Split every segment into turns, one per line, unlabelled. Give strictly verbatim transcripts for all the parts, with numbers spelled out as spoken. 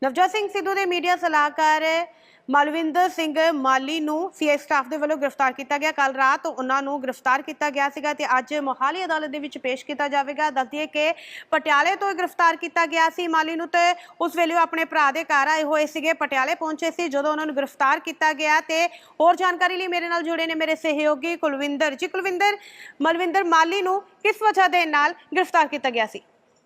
ਨਵਜੋਤ ਸਿੰਘ ਸਿੱਧੂ ਦੇ ਮੀਡੀਆ ਸਲਾਹਕਾਰ ਮਲਵਿੰਦਰ ਸਿੰਘ ਮਾਲੀ ਨੂੰ ਸੀਆਈ ਸਟਾਫ ਦੇ ਵੱਲੋਂ ਗ੍ਰਿਫਤਾਰ ਕੀਤਾ ਗਿਆ। ਕੱਲ ਰਾਤ ਉਹਨਾਂ ਨੂੰ ਗ੍ਰਿਫਤਾਰ ਕੀਤਾ ਗਿਆ ਸੀਗਾ ਤੇ ਅੱਜ ਮੋਹਾਲੀ ਅਦਾਲਤ ਦੇ ਵਿੱਚ ਪੇਸ਼ ਕੀਤਾ ਜਾਵੇਗਾ। ਦੱਸ ਦਈਏ ਕਿ ਪਟਿਆਲੇ ਤੋਂ ਗ੍ਰਿਫਤਾਰ ਕੀਤਾ ਗਿਆ ਸੀ ਮਾਲੀ ਨੂੰ ਤੇ ਉਸ ਵੇਲੇ ਉਹ ਆਪਣੇ ਭਰਾ ਦੇ ਘਰ ਆਏ ਹੋਏ ਸੀਗੇ, ਪਟਿਆਲੇ ਪਹੁੰਚੇ ਸੀ ਜਦੋਂ ਉਹਨਾਂ ਨੂੰ ਗ੍ਰਿਫਤਾਰ ਕੀਤਾ ਗਿਆ। ਤੇ ਹੋਰ ਜਾਣਕਾਰੀ ਲਈ ਮੇਰੇ ਨਾਲ ਜੁੜੇ ਨੇ ਮੇਰੇ ਸਹਿਯੋਗੀ ਕੁਲਵਿੰਦਰ ਜੀ। ਕੁਲਵਿੰਦਰ, ਮਲਵਿੰਦਰ ਮਾਲੀ ਨੂੰ ਕਿਸ ਵਜ੍ਹਾ ਦੇ ਨਾਲ ਗ੍ਰਿਫਤਾਰ ਕੀਤਾ ਗਿਆ ਸੀ?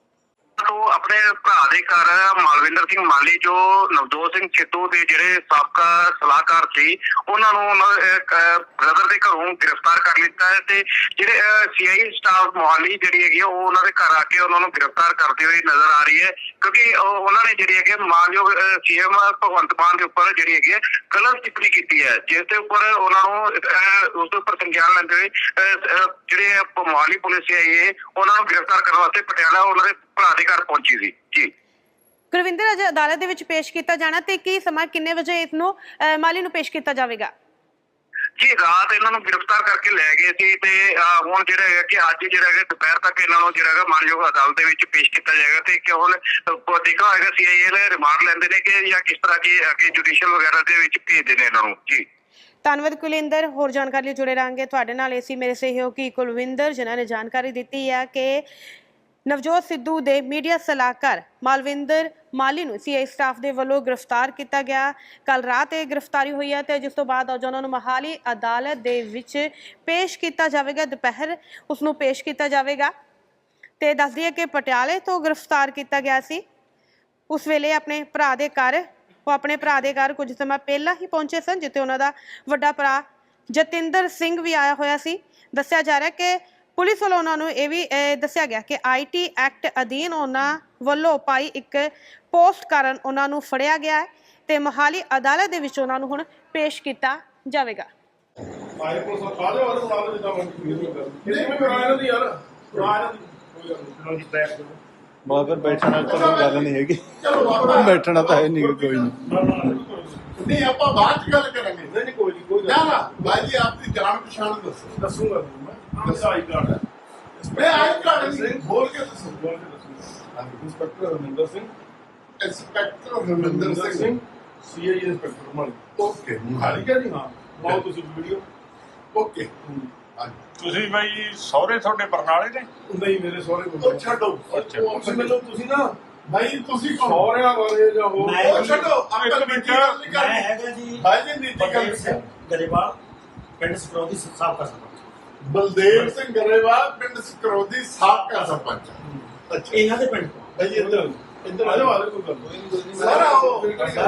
तो अपने भरा दे घर मालविंदर सिंह माली जो नवजोत सिंह सिद्धू के जिहड़े साबका सलाहकार सी उन्होंने ब्रदर के घरों गिरफ्तार कर लिया है। तो जिहड़े सीआई स्टाफ मोहाली जिहड़ी हैगी वो उन्होंने घर आके उन्होंने गिरफ्तार करते हुए नजर आ रही है, क्योंकि उन्होंने जिहड़ी हैगी मानयोग सीएम भगवंत मान के उपर जिहड़ी हैगी गलत टिप्पणी की है, जिसके उपर उन्होंने उसके उपर संज्ञान लेंदे हुए जिहड़े मोहाली पुलिस आई है उन्होंने गिरफ्तार करने वास्ते पटियाला उन्होंने ਭਰਾ ਦੇ ਘਰ ਪਹੁੰਚੀ ਸੀ। ਜੀ
ਕੁਲਵਿੰਦਰ, ਅੱਜ ਅਦਾਲਤ ਦੇ ਵਿੱਚ ਪੇਸ਼ ਕੀਤਾ ਜਾਣਾ ਤੇ ਕੀ ਸਮਾਂ ਕਿੰਨੇ ਵਜੇ ਇਸ ਨੂੰ ਮਾਲੀ ਨੂੰ ਪੇਸ਼ ਕੀਤਾ ਜਾਵੇਗਾ?
ਜੀ ਰਾਤ ਇਹਨਾਂ ਨੂੰ ਗ੍ਰਿਫਤਾਰ ਕਰਕੇ ਲੈ ਗਏ ਸੀ ਤੇ ਹੁਣ ਜਿਹੜਾ ਹੈ ਕਿ ਅੱਜ ਜਿਹੜਾ ਹੈ ਦੁਪਹਿਰ ਤੱਕ ਇਹਨਾਂ ਨੂੰ ਜਿਹੜਾ ਹੈ ਮਾਨਯੋਗ ਅਦਾਲਤ ਦੇ ਵਿੱਚ ਪੇਸ਼ ਕੀਤਾ ਜਾਏਗਾ ਤੇ ਕਿ ਹੁਣ ਦੇਖਾ ਹੋਏਗਾ ਸੀਆਈਏ ਨੇ ਰਿਮਾਂਡ ਲੈਂਦੇ ਨੇ ਕਿ ਜਾਂ ਕਿਸ ਤਰ੍ਹਾਂ ਕੀ ਅੱਗੇ ਜੁਡੀਸ਼ੀਅਲ ਵਗੈਰਾ ਦੇ ਵਿੱਚ ਭੇਜਦੇ ਨੇ ਇਹਨਾਂ ਨੂੰ। ਜੀ
ਧੰਨਵਾਦ ਕੁਲਵਿੰਦਰ, ਹੋਰ ਜਾਣਕਾਰੀ ਲਈ ਜੁੜੇ ਰਹਾਂਗੇ ਤੁਹਾਡੇ ਨਾਲ। ਇਸੀ ਮੇਰੇ ਸਹਿਯੋਗੀ ਕੁਲਵਿੰਦਰ ਜਿਨ੍ਹਾਂ ਨੇ ਜਾਣਕਾਰੀ ਦਿੱਤੀ ਹੈ ਕਿ ਨਵਜੋਤ ਸਿੱਧੂ ਦੇ ਮੀਡੀਆ ਸਲਾਹਕਾਰ ਮਲਵਿੰਦਰ ਮਾਲੀ ਨੂੰ ਸੀਆਈ ਸਟਾਫ ਦੇ ਵੱਲੋਂ ਗ੍ਰਿਫਤਾਰ ਕੀਤਾ ਗਿਆ। ਕੱਲ ਰਾਤ ਇਹ ਗ੍ਰਿਫਤਾਰੀ ਹੋਈ ਹੈ ਤੇ ਜਿਸ ਤੋਂ ਬਾਅਦ ਅੱਜ ਉਹਨਾਂ ਨੂੰ ਮੋਹਾਲੀ ਅਦਾਲਤ ਦੇ ਵਿੱਚ ਪੇਸ਼ ਕੀਤਾ ਜਾਵੇਗਾ। ਦੁਪਹਿਰ ਉਸ ਨੂੰ ਪੇਸ਼ ਕੀਤਾ ਜਾਵੇਗਾ ਤੇ ਦੱਸ ਦਈਏ ਕਿ ਪਟਿਆਲੇ ਤੋਂ ਗ੍ਰਿਫਤਾਰ ਕੀਤਾ ਗਿਆ ਸੀ। ਉਸ ਵੇਲੇ ਆਪਣੇ ਭਰਾ ਦੇ ਘਰ ਉਹ ਆਪਣੇ ਭਰਾ ਦੇ ਘਰ ਕੁਝ ਸਮਾਂ ਪਹਿਲਾਂ ਹੀ ਪਹੁੰਚੇ ਸਨ, ਜਿੱਥੇ ਉਹਨਾਂ ਦਾ ਵੱਡਾ ਭਰਾ ਜਤਿੰਦਰ ਸਿੰਘ ਵੀ ਆਇਆ ਹੋਇਆ ਸੀ। ਦੱਸਿਆ ਜਾ ਰਿਹਾ ਕਿ ਪੁਲਿਸ ਵੱਲੋਂ ਉਹਨਾਂ ਨੂੰ ਇਹ ਵੀ ਦੱਸਿਆ ਗਿਆ ਕਿ ਆਈ ਟੀ ਐਕਟ ਅਧੀਨ ਉਹਨਾਂ ਵੱਲੋਂ ਪਾਈ ਇੱਕ ਪੋਸਟ ਕਾਰਨ ਉਹਨਾਂ ਨੂੰ ਫੜਿਆ ਗਿਆ ਹੈ ਤੇ ਮੋਹਾਲੀ ਅਦਾਲਤ ਦੇ ਵਿੱਚ ਉਹਨਾਂ ਨੂੰ ਹੁਣ ਪੇਸ਼ ਕੀਤਾ ਜਾਵੇਗਾ।
मगर बैठना तो गल नहीं हैगी, बैठना तो है नहीं कोई
नहीं ਆਪਾਂ ਬਾਅਦ ਚ ਗੱਲ ਕਰਾਂਗੇ। ਨਹੀਂ ਕੋਈ ਨਹੀਂ ਕੋਈ ਨਾ ਨਾ ਭਾਈ ਜੀ ਆਪਣੀ ਜਾਣ ਪਛਾਣ ਦੱਸੋ। ਦੱਸੂਗਾ ਮੈਂ ਦੱਸੋ ਆਈ ਕਾਰਡ ਹੈ ਮੈਂ ਆਈ ਕਾਰਡ ਨਹੀਂ ਬੋਲ ਕੇ ਦੱਸੋ ਬੋਲ ਕੇ ਦੱਸੋ। Inspector Harminder Singh inspector Harminder Singh CI inspector Mali. Okay Mali ਕਾ ਜੀ ਹਾਂ ਬਹੁਤ ਤੁਸੀਂ ਵੀਡੀਓ ਓਕੇ।
ਤੁਸੀਂ ਬਾਈ ਸਹੁਰੇ ਤੁਹਾਡੇ ਬਰਨਾਲੇ ਨੇ?
ਨਹੀਂ ਮੇਰੇ ਸਹੁਰੇ ਕੋਲ ਛੱਡੋ। ਅੱਛਾ ਮੈਨੂੰ ਤੁਸੀਂ ਨਾ ਭਾਈ ਤੁਸੀਂ ਸਹੁਰਿਆਂ ਬਾਰੇ ਜਾਂ ਹੋਰ ਉਹ ਛੱਡੋ ਆਪਾਂ ਮਿੰਟ ਮੈਂ
ਹੈਗਾ ਜੀ
ਭਾਈ ਜੀ ਨੀਤੀ ਗੱਲ ਸਿੰਘ
ਗਰੇਵਾਲ ਪਿੰਡ ਸਕਰੋਦੀ ਸਾਬਕਾ ਸਰਪੰਚ।
ਬਲਦੇਵ ਸਿੰਘ ਗਰੇਵਾਲ ਪਿੰਡ ਸਕਰੋਦੀ ਸਾਬਕਾ ਸਰਪੰਚ। ਅੱਛਾ
ਇਹਨਾਂ ਦੇ ਪਿੰਡ
ਭਾਈ ਜੀ ਇੱਧਰ ਇੱਧਰ ਆ ਜਾਓ ਆ ਜਾਓ ਕੋਈ ਗੱਲ ਨਹੀਂ ਸਰ ਆਓ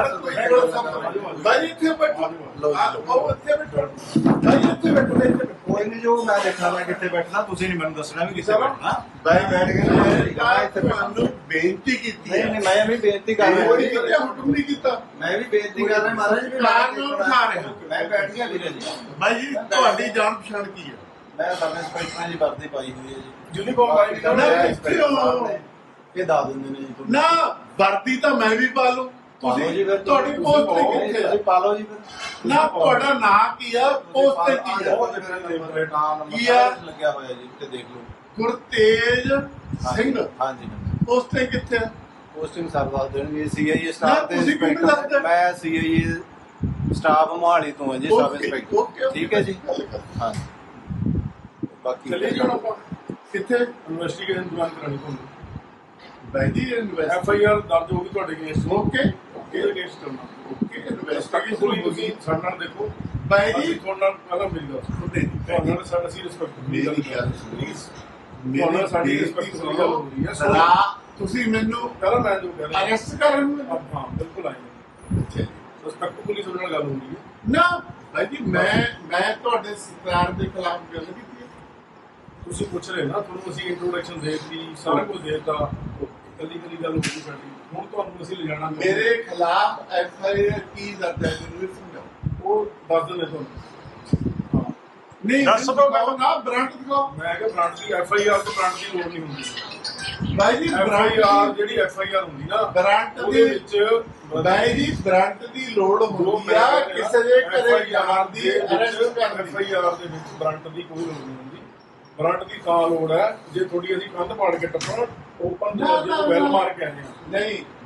ਭਾਈ ਇੱਥੇ ਬੈਠੋ ਆਓ ਇੱਥੇ ਬੈਠੋ ਭਾਈ ਇੱਥੇ ਬੈਠੋ ਇੱਥੇ
कोई नहीं जो मैं देखना मैं कितने बैठना तुसी नहीं मैंने दसना भी किसे बैठना
ਭਾਈ ਬੈਠ ਗਏ ਤੁਹਾਨੂੰ ਬੇਨਤੀ ਕੀਤੀ
नहीं नहीं मैं भी बेइज्जती कर रहा
ਕੋਈ
हूं,
ਕਿਤੇ ਹੁਕਮ ਨਹੀਂ ਕੀਤਾ।
मैं भी बेइज्जती कर रहा हूं महाराज जी।
ਪਲਾਨ ਨੂੰ ਉਠਾ ਰਿਹਾ
मैं बैठ गया धीरे जी।
ਭਾਈ ਜੀ ਤੁਹਾਡੀ ਜਾਣ ਪਛਾਣ ਕੀ ਹੈ?
मैं सब इंस्पेक्टर जी वर्दी पाई हुई है जी।
ਯੂਨੀਫਾਰਮ ਪਾਈ ਨਾ ਕਿੱਥੇ ਹੋ
ये दा देंगे ने जी।
ਨਾ ਵਰਦੀ ਤਾਂ ਮੈਂ ਵੀ ਪਾ ਲੂੰ। ਤੁਸੀਂ ਤੁਹਾਡੀ ਪੋਸਟ ਤੇ ਕਿੱਥੇ ਹੈ?
ਤੁਸੀਂ ਪਾ ਲਓ ਜੀ ਫਿਰ।
ਨਾ ਤੁਹਾਡਾ ਨਾਂ ਕੀ ਆ ਪੋਸਟ ਤੇ ਕੀ ਆ? ਕੀ ਆ?
ਲੱਗਿਆ ਹੋਇਆ ਜੀ ਤੇ ਦੇਖ ਲਓ।
ਗੁਰਤੇਜ ਸਿੰਘ
ਹਾਂ ਜੀ।
ਪੋਸਟ ਤੇ ਕਿੱਥੇ ਆ?
ਪੋਸਟਿੰਗ ਸਰ ਦੱਸ ਦੇਣਗੇ ਸੀਆਈਏ
ਨਾ,
ਸਟਾਫ ਦੇ
ਤੁਸੀਂ ਕਿਉਂ ਨਹੀਂ ਦੱਸਦੇ?
ਇੰਸਪੈਕਟਰ। ਮੈਂ ਸੀਆਈਏ ਸਟਾਫ ਮੋਹਾਲੀ ਤੋਂ ਹਾਂ ਜੀ, ਸਬ
ਓਕੇ,
ਇੰਸਪੈਕਟਰ।
ਓਕੇ,
ਠੀਕ ਹੈ ਜੀ। ਹਾਂ ਬਾਕੀ
ਚਲੇ ਜਾਣਾ ਆਪਾਂ ਕਿੱਥੇ
ਇਨਵੈਸਟੀਗੇਸ਼ਨ ਜੁਆਇਨ ਕਰਾਣੀ ਤੁਹਾਨੂੰ।
ਬਾਈ ਜੀ ਇਨਵੈਸਟ
ਐਫ ਆਈ ਆਰ ਦਰਜ ਹੋਊਗੀ ਤੁਹਾਡੇ ਅਗੇਂਸਟ।
ਓਕੇ ਓਕੇ
ਕਿਹਦੇ ਅਗੇਂਸਟ ਕਰਨਾ?
ਓਕੇ
ਇਨਵੈਸਟੀਗੇਸ਼ਨ
ਇਨਵੈਸਟੀਗੇਸ਼ਨ
ਹੋਈ ਤੁਸੀਂ ਸਾਡੇ ਨਾਲ ਦੇਖੋ।
ਬਾਈ
ਅਸੀਂ
ਜੀ
ਤੁਹਾਡੇ ਨਾਲ ਪਹਿਲਾਂ ਮਿਲ ਗਿਆ ਤੁਹਾਡੇ ਤੁਹਾਡੇ ਨਾਲ ਸਾਡਾ ਸੀ ਰਿਸਪੈਕਟ
ਮੇਰੀ ਗੱਲ
ਪਲੀਜ਼
ਮੇਰੀ
ਤੁਹਾਡੇ ਨਾਲ ਸਾਡੀ
ਬੇਇੱਜ਼ਤੀ
ਰਿਸਪੈਕਟ ਦੀ ਗੱਲ ਹੋ ਰਹੀ ਹੈ।
ਸੁਣਾ ਤੁਸੀਂ ਮੈਨੂੰ
ਪਹਿਲਾਂ ਮੈਂ ਜੋ ਕਹਿ ਰਿਹਾ
ਅਰੈਸਟ ਕਰਨ ਨੂੰ
ਹਾਂ ਬਿਲਕੁਲ ਆਏ ਰਿਸਪੈਕਟ ਪੁਲਿਸ ਨਾਲ ਗੱਲ ਹੋ ਰਹੀ ਹੈ।
ਨਾ ਭਾਈ ਜੀ ਮੈਂ ਮੈਂ ਤੁਹਾਡੇ ਸਰਕਾਰ ਦੇ ਖਿਲਾਫ ਗੱਲ ਕੀਤੀ ਹੈ।
ਤੁਸੀਂ ਪੁੱਛ ਰਹੇ ਨਾ, ਤੁਹਾਨੂੰ ਅਸੀਂ ਇੰਟਰੋਡਕਸ਼ਨ ਦੇਤੀ ਸਾਰਾ ਕੁਝ ਦੇਤਾ, ਕੱਲੀ ਕੱਲੀ ਗੱਲ ਹੋ ਗਈ ਸਾਡੀ। ਹੁਣ ਤੁਹਾਨੂੰ ਅਸੀਂ ਲਿਜਾਣਾ
ਮੇਰੇ ਖਿਲਾਫ ਐਫ ਆਈ ਆਰ ਕੀ ਦਰਜ ਹੈ ਮੈਨੂੰ ਵੀ ਸਮਝਾਓ।
ਉਹ ਦੱਸ ਦਿੰਦੇ ਤੁਹਾਨੂੰ। ਹਾਂ
ਨਹੀਂ
ਦੱਸ ਦਿਓ
ਦਿਖਾਓ ਨਾ ਬ੍ਰਾਂਡ ਦਿਖਾਓ।
ਮੈਂ ਕਿਹਾ ਬ੍ਰਾਂਡ ਦੀ ਐਫ ਆਈ ਆਰ ਤੋਂ ਬ੍ਰਾਂਡ ਦੀ ਲੋੜ ਨਹੀਂ ਹੁੰਦੀ।
ਭਾਈ ਜੀ
ਐਫ ਆਈ ਆਰ ਜਿਹੜੀ ਐਫ ਆਈ ਆਰ ਹੁੰਦੀ ਨਾ
ਬ੍ਰਾਂਡ
ਉਹਦੇ
ਦੀ
ਵਿੱਚ
ਭਾਈ ਜੀ ਬ੍ਰਾਂਡ ਦੀ ਲੋੜ ਹੁੰਦੀ ਆ ਕਿਸੇ ਦੇ ਘਰੇ ਜਾਣ ਦੀ ਅਰੈਸਟ ਕਰਨ
ਐਫ
ਦੀ।
ਆਈ ਆਰ ਦੇ ਵਿੱਚ ਬ੍ਰਾਂਡ ਦੀ ਕੋਈ ਲੋੜ ਨਹੀਂ ਹੁੰਦੀ। ਬ੍ਰਾਂਡ ਦੀ ਤਾਂ ਲੋੜ ਹੈ ਜੇ ਥੋੜੀ ਅਸੀਂ ਕੰਧ ਪਾੜ ਕੇ ਟੱਪਣਾ ਓਪਨ
ਨਾ, ਨਾ,
ਵੈਲ
ਨਾ।
ਮਾਰ ਕੇ ਆਏ ਹਾਂ।
ਨਹੀਂ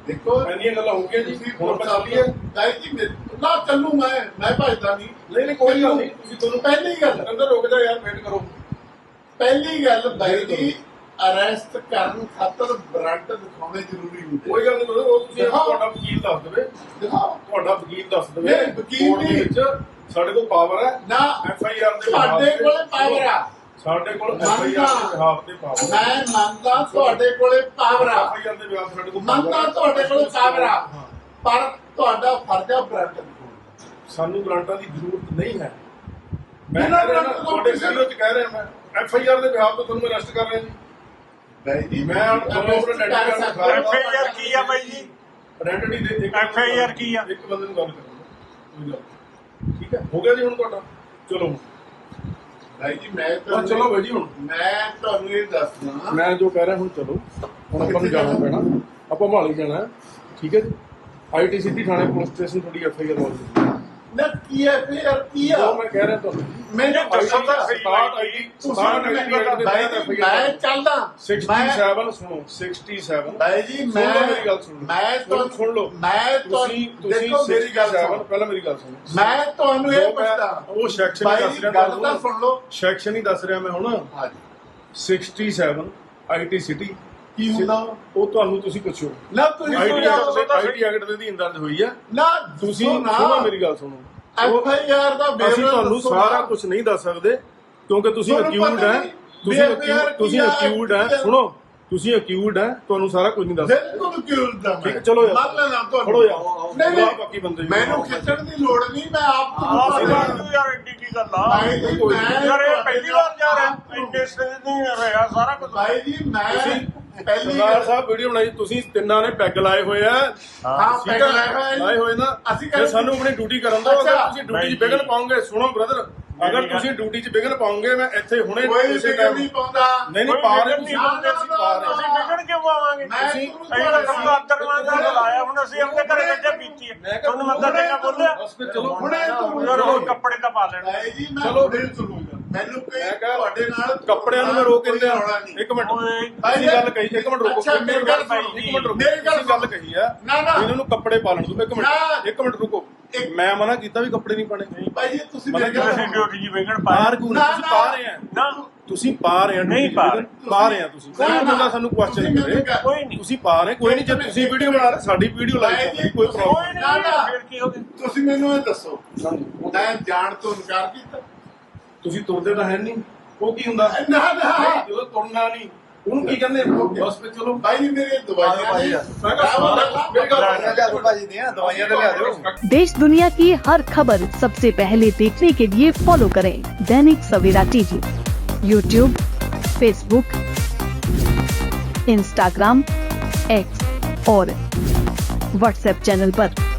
ਦੇਖੋ
ਇੰਨੀਆਂ ਗੱਲਾਂ ਹੋ ਗਈਆਂ ਜੀ
ਤੁਸੀਂ
ਹੁਣ ਆਪਾਂ ਚੱਲੀਏ
ਤਾਈ ਜੀ ਮੇਰੇ- ਨਾ ਚੱਲੂ ਮੈਂ ਮੈਂ ਭਜਦਾ ਨਹੀਂ
ਨਹੀਂ ਨਹੀਂ ਕੋਈ ਗੱਲ ਨਹੀਂ ਤੁਸੀਂ ਤੁਹਾਨੂੰ
ਪਹਿਲੀ ਗੱਲ
ਅੰਦਰ ਰੁਕ ਜਾ ਯਾਰ ਵੇਟ ਕਰੋ
ਪਹਿਲੀ ਗੱਲ ਬਾਈ ਜੀ ਅਰੈਸਟ ਕਰਨ ਖਾਤਰ ਵਾਰੰਟ ਦਿਖਾਉਣੇ ਜ਼ਰੂਰੀ ਹੁੰਦੇ
ਕੋਈ ਗੱਲ ਨਹੀਂ ਕਰੋ ਉਹ ਤੁਸੀਂ
ਦਿਖਾਓ।
ਤੁਹਾਡਾ ਵਕੀਲ ਦੱਸ ਦੇਵੇ
ਦਿਖਾਓ
ਤੁਹਾਡਾ ਵਕੀਲ ਦੱਸ ਦੇਵੇ
ਨਹੀਂ, ਵਕੀਲ
ਕੋਰਟ ਦੇ
ਨਹੀਂ।
ਵਿੱਚ ਸਾਡੇ ਕੋਲ ਪਾਵਰ ਹੈ
ਨਾ
ਐਫ ਆਈ ਆਰ ਦੇ
ਤੁਹਾਡੇ
ਬਿਹਾਫ ਤੇ-
ਕੋਲੇ ਪਾਵਰ ਆ
ਸਾਡੇ ਕੋਲ ਐਫ ਆਈ ਆਰ ਦੇ ਬਿਹਾਫ ਤੇ ਪਾਵਰ
ਮੈਂ ਮੰਨਦਾ ਤੁਹਾਡੇ ਕੋਲੇ ਪਾਵਰ ਆ
ਐਫ ਆਈ ਆਰ ਦੇ ਬਿਹਾਫ ਸਾਡੇ ਕੋਲ
ਮੰਨਦਾ ਤੁਹਾਡੇ ਕੋਲੇ ਪਾਵਰ ਆ ਪਰ ਤੁਹਾਡਾ ਫਰਜ਼ ਆ ਵਾਰੰਟ ਦਿਖਾਉਣਾ
ਸਾਨੂੰ ਗਰੰਟਾਂ ਦੀ ਜ਼ਰੂਰਤ ਨਹੀਂ ਹੈ ਮੈਂ
ਬਿਨਾਂ
ਕਹਿ ਰਿਹਾ
ਗਰੰਟ ਤੋਂ
ਤੁਹਾਡੇ
ਕਿਸੇ-
ਵੀਡੀਓ 'ਚ ਕਹਿ ਰਿਹਾ ਮੈਂ ਐਫ ਆਈ ਆਰ ਦੇ ਬਿਹਾਫ ਤੇ ਤੁਹਾਨੂੰ ਅਰੈਸਟ ਕਰ ਰਿਹਾ ਜੀ
ਬਾਈ ਜੀ
ਮੈਂ ਹੁਣ ਤੁਹਾਨੂੰ ਆਪਣੇ
ਕਰ
ਡੈਡੀ ਦਾ
ਸਕਦਾ।
ਐਫ ਆਈ ਆਰ ਕੀ ਆ ਬਾਈ ਜੀ?
ਆਇਡੈਂਟੀ ਦੇ ਇੱਕ
ਐਫ ਆਈ ਆਰ ਕੀ ਆ?
ਇੱਕ ਬੰਦੇ ਨੂੰ ਗੱਲ ਕਰਾਂਗਾ ਕੋਈ ਗੱਲ ਨਹੀਂ। ਠੀਕ ਹੈ ਹੋ ਗਿਆ ਜੀ ਹੁਣ ਤੁਹਾਡਾ ਚਲੋ
ਬਾਈ ਜੀ ਮੈਂ
ਹਾਂ
ਤੁਹਾਨੂੰ
ਚਲੋ ਬਾਈ ਜੀ ਹੁਣ
ਮੈਂ ਤੁਹਾਨੂੰ ਇਹ ਦੱਸਣਾ
ਮੈਂ ਜੋ ਕਹਿ ਰਿਹਾ ਹੁਣ ਚਲੋ ਹੁਣ ਆਪਾਂ ਨੂੰ ਜਾਣਾ ਪੈਣਾ ਆਪਾਂ ਮਹਾਲੀ ਜਾਣਾ ਹੈ। ਠੀਕ ਹੈ ਜੀ ਆਈ ਟੀ ਸਿਟੀ ਥਾਣੇ ਪੁਲਿਸ ਸਟੇਸ਼ਨ ਤੁਹਾਡੀ ਐਫ ਆਈ ਆਰ ਲੌਜ
ਨਾ ਕੀ ਹੈ ਫਿਰ ਕੀ ਆ
ਜੋ ਮੈਂ ਕਹਿ ਰਿਹਾ ਤੁਹਾਨੂੰ
ਮੈਨੂੰ ਦੱਸੋ ਤਾਂ
start I D start I D
ਬਾਈ ਜੀ ਮੈਂ ਚੱਲਦਾ ਮੈਂ
ਸixty-seven ਸੁਣੋ sixty-seven
ਬਾਈ ਜੀ
ਸੁਣ
ਮੈਂ
ਲਓ ਮੇਰੀ ਗੱਲ ਸੁਣੋ
ਮੈਂ
ਸੁਣ- ਸੁਣ ਲਓ
ਮੈਂ
ਤੁਸੀਂ
ਤੁਹਾਨੂੰ
ਤੁਸੀਂ
ਦੇਖੋ ਮੇਰੀ ਗੱਲ
sixty-seven
ਸੁਣੋ
ਪਹਿਲਾਂ ਮੇਰੀ ਗੱਲ ਸੁਣੋ
ਮੈਂ ਤੁਹਾਨੂੰ ਇਹ
ਜੋ ਮੈਂ-
ਪੁੱਛਦਾ
ਉਹ ਸੈਕਸ਼ਨ ਹੀ
ਬਾਈ
ਦੱਸ
ਜੀ
ਰਿਹਾ
ਗੱਲ ਤਾਂ
ਤੁਹਾਨੂੰ
ਸੁਣ ਲਓ
ਸੈਕਸ਼ਨ ਹੀ ਦੱਸ ਰਿਹਾ ਮੈਂ ਹੁਣ
ਹਾਂਜੀ
sixty-seven ਆਈ ਟੀ ਸਿਟੀ
ਕੀ ਹੁੰਦਾ
ਉਹ ਤੁਹਾਨੂੰ ਤੁਸੀਂ ਪੁੱਛੋ
ਨਾ ਤੁਸੀਂ
ਆਈ ਟੀ
ਸੁਣਾਓ
ਆਈ ਟੀ ਐਕਟ ਦੇ ਅਧੀਨ ਦਰਜ ਹੋਈ ਹੈ
ਨਾ
ਤੁਸੀਂ
ਸੁਣੋ
ਸੁਣੋ ਮੇਰੀ ਗੱਲ ਸੁਣੋ
ਐਫ ਆਈ ਆਰ ਦਾ ਵੇਰਵਾ
ਅਸੀਂ ਤੁਹਾਨੂੰ
ਦੱਸੋ
ਸਾਰਾ
ਨਾ।
ਕੁਝ ਨਹੀਂ ਦੱਸ ਸਕਦੇ ਕਿਉਂਕਿ ਤੁਸੀਂ
ਤੁਹਾਨੂੰ
ਅਕਿਊਜ਼ਡ
ਪਤਾ
ਹੈ
ਨਹੀਂ,
ਤੁਸੀਂ
ਵੀ
accused-
F I R
ਤੁਸੀਂ
ਕੀ ਆ,
ਅਕਿਊਜ਼ਡ ਹੈ
ਕੀ ਆ।
ਸੁਣੋ ਤੁਸੀਂ ਅਕਿਊਜ਼ਡ ਹੈ ਤੁਹਾਨੂੰ ਸਾਰਾ ਕੁਝ ਨਹੀਂ ਦੱਸ ਸਕਦੇ
ਬਿਲਕੁਲ ਕਿਉਂ ਦਾ
ਠੀਕ ਹੈ, ਚਲੋ ਯਾਰ।
ਮੰਨ ਲੈਣਾ ਤੁਹਾਨੂੰ
ਖੜੋ ਯਾਰ।
ਨਹੀਂ
ਬੁਲਾ
ਨਹੀਂ
ਬਾਕੀ ਬੰਦੇ ਵੀ।
ਮੈਨੂੰ ਖਿੱਚਣ ਦੀ ਲੋੜ ਨਹੀਂ ਮੈਂ ਆਪ
ਆਹ
ਤੁਹਾਨੂੰ
ਸਿਵਾ
ਪਤਾ
ਤੂੰ ਯਾਰ ਐਡੀ ਕੀ ਗੱਲ ਆ?
ਭਾਈ ਜੀ ਮੈਂ
ਯਾਰ ਇਹ ਪਹਿਲੀ ਵਾਰ ਜਾ ਰਿਹਾ ਇੰਨੇ ਸਟੇਜ ਨਹੀਂ ਰਿਹਾ ਸਾਰਾ ਕੁਝ।
ਭਾਈ ਜੀ ਮੈਂ ਪਹਿਲੀ
ਸਰਦਾਰ
ਗੱਲ
ਸਾਹਿਬ ਵੀਡੀਓ ਬਣਾਈ ਤੁਸੀਂ ਤਿੰਨਾਂ ਨੇ ਪੈਗ ਲਾਏ ਹੋਏ ਆ
ਹਾਂ
ਠੀਕ
ਪੈਗ
ਆ?
ਲਾਇਆ ਹੋਇਆ
ਲਾਏ ਹੋਏ ਨਾ
ਅਸੀਂ
ਤੇ
ਕਰ
ਸਾਨੂੰ ਆਪਣੀ ਡਿਊਟੀ ਕਰਨ ਦਿਓ ਅਗਰ
ਅੱਛਾ।
ਤੁਸੀਂ ਡਿਊਟੀ 'ਚ
ਨਹੀਂ
ਵਿਘਨ
ਜੀ।
ਪਾਉਂਗੇ ਸੁਣੋ ਬ੍ਰਦਰ ਅਗਰ
ਨਹੀਂ
ਤੁਸੀਂ ਡਿਊਟੀ 'ਚ ਵਿਘਨ ਪਾਉਂਗੇ ਮੈਂ ਇੱਥੇ ਹੁਣੇ
ਕੋਈ
ਕਿਸੇ
ਫਿਕਰ
ਟਾਈਮ
ਨਹੀਂ ਪਾਉਂਦਾ
ਨਹੀਂ ਨਹੀਂ
ਕੋਈ
ਪਾ ਰਹੇ
ਵਿਘਨ
ਤੁਸੀਂ
ਨਹੀਂ
ਬੰਦੇ ਅਸੀਂ ਪਾ ਰਹੇ
ਅਸੀਂ ਵਿਗੜ ਕਿਉਂ ਆਵਾਂਗੇ?
ਮੈਂ
ਤੁਸੀਂ-
ਅਸੀਂ ਤਾਂ ਤੁਹਾਨੂੰ ਆਦਰਮਾਨ ਦਾ ਲਾਇਆ ਹੁਣ ਅਸੀਂ ਆਪਣੇ ਘਰੇ ਬੱਚੇ ਪੀਤੀ ਹੈ
ਮੈਂ ਕਿਹਾ
ਤੁਹਾਨੂੰ ਮੱਦਾ ਟੇਕਾ ਬੋਲਿਆ
ਬਸ ਫਿਰ ਚਲੋ
ਹੁਣੇ ਤੁਹਾਨੂੰ
ਯਾਰ ਹੋਰ ਕੱਪੜੇ ਤਾਂ ਪਾ ਲੈਣ।
ਭਾਈ ਜੀ ਮੈਂ
ਚਲੋ।
ਦਿਲ ਸੁਣੋ ਮੈਨੂੰ ਕੋਈ
ਮੈਂ ਕਿਹਾ
ਤੁਹਾਡੇ ਨਾਲ
ਕੱਪੜਿਆਂ ਨੂੰ ਮੈਂ ਰੋਕ
ਕੋਈ
ਦਿੰਦਾ
ਰੌਲਾ ਨਹੀਂ।
ਇੱਕ ਮਿੰਟ
ਓਏ,
ਅਸੀਂ ਗੱਲ ਕਹੀ ਇੱਕ ਮਿੰਟ ਰੁਕੋ
ਅੱਛਾ, ਮੇਰੀ ਗੱਲ
ਸੁਣੋ।
ਇੱਕ ਮਿੰਟ ਰੁਕੋ
ਮੇਰੀ ਗੱਲ
ਅਸੀਂ ਗੱਲ ਕਹੀ ਆ
ਨਾ, ਨਾ।
ਇਹਨਾਂ ਨੂੰ ਕੱਪੜੇ ਪਾ ਲੈਣ ਦਿਓ ਇੱਕ
ਨਾ।
ਮਿੰਟ ਇੱਕ ਮਿੰਟ ਰੁਕੋ
ਇੱਕ-
ਮੈਂ ਮਨਾ ਕੀਤਾ ਵੀ ਕੱਪੜੇ ਨਹੀਂ ਪਾਣੇ
ਭਾਈ ਜੀ ਤੁਸੀਂ
ਮਤਲਬ
ਮੇਰੀ ਗੱਲ
ਅਸੀਂ
ਸੁਣੋ।
ਡਿਊਟੀ ਜੀ ਵਿਗੜ
ਬਾਹਰ
ਪਾਇਆ
ਕਿਉਂ
ਨਾ,
ਤੁਸੀਂ
ਨਾ।
ਪਾ ਰਹੇ ਆ
ਨਾ
ਤੁਸੀਂ ਪਾ ਰਹੇ ਆ
ਨਹੀਂ
duty
ਪਾ
ਤੇ,
ਰਹੇ।
ਪਾ ਰਹੇ ਆ ਤੁਸੀਂ
ਨਾ,
ਕੋਈ
ਨਾ।
ਬੰਦਾ ਸਾਨੂੰ ਕੁਐਸਚਨ
ਤੁਸੀਂ
ਕਰੇ
ਮੈਨੂੰ
ਕੋਈ ਨਹੀਂ
ਤੁਸੀਂ ਪਾ ਰਹੇ ਕੋਈ ਨਹੀਂ ਜੇ ਤੁਸੀਂ ਵੀਡੀਓ ਬਣਾ ਰਹੇ ਸਾਡੀ ਵੀਡੀਓ
ਭਾਈ
ਲਾਈਕ
ਜੀ,
ਕੋਈ
ਤੁਸੀਂ-
ਪ੍ਰੋਬਲਮ
ਕੋਈ
ਨਾ, ਨਾ।
ਨਹੀਂ ਫਿਰ ਕੀ ਹੋ ਗਿਆ?
ਤੁਸੀਂ ਮੈਨੂੰ ਇਹ ਦੱਸੋ
ਨਹੀਂ
ਮੈਂ ਜਾਣ ਤੋਂ ਇਨਕਾਰ ਕੀਤਾ
ਤੁਸੀਂ ਤੁਰਦੇ ਤਾਂ ਹੈ ਨਹੀਂ ਉਹ ਕੀ ਹੁੰਦਾ
ਨਾ ਨਾ
ਜਦੋਂ ਤੁਰਨਾ ਨਹੀਂ ਉਹਨੂੰ ਕੀ ਕਹਿੰਦੇ ਬਸ ਫਿਰ ਚਲੋ
ਭਾਈ ਜੀ ਮੇਰੇ ਦਵਾਈਆਂ ਨਹੀਂ
ਮੈਂ ਕਿਹਾ ਸਾਰਾ ਮੇਰੀ ਗੱਲ
ਭਾਜੀ ਦੀਆਂ ਦਵਾਈਆਂ ਤੇ ਲਿਆ ਦਿਓ
देश दुनिया की हर खबर सबसे पहले देखने के लिए फॉलो करें Dainik Savera TV, YouTube, Facebook, Instagram, X और व्हाट्सएप चैनल पर।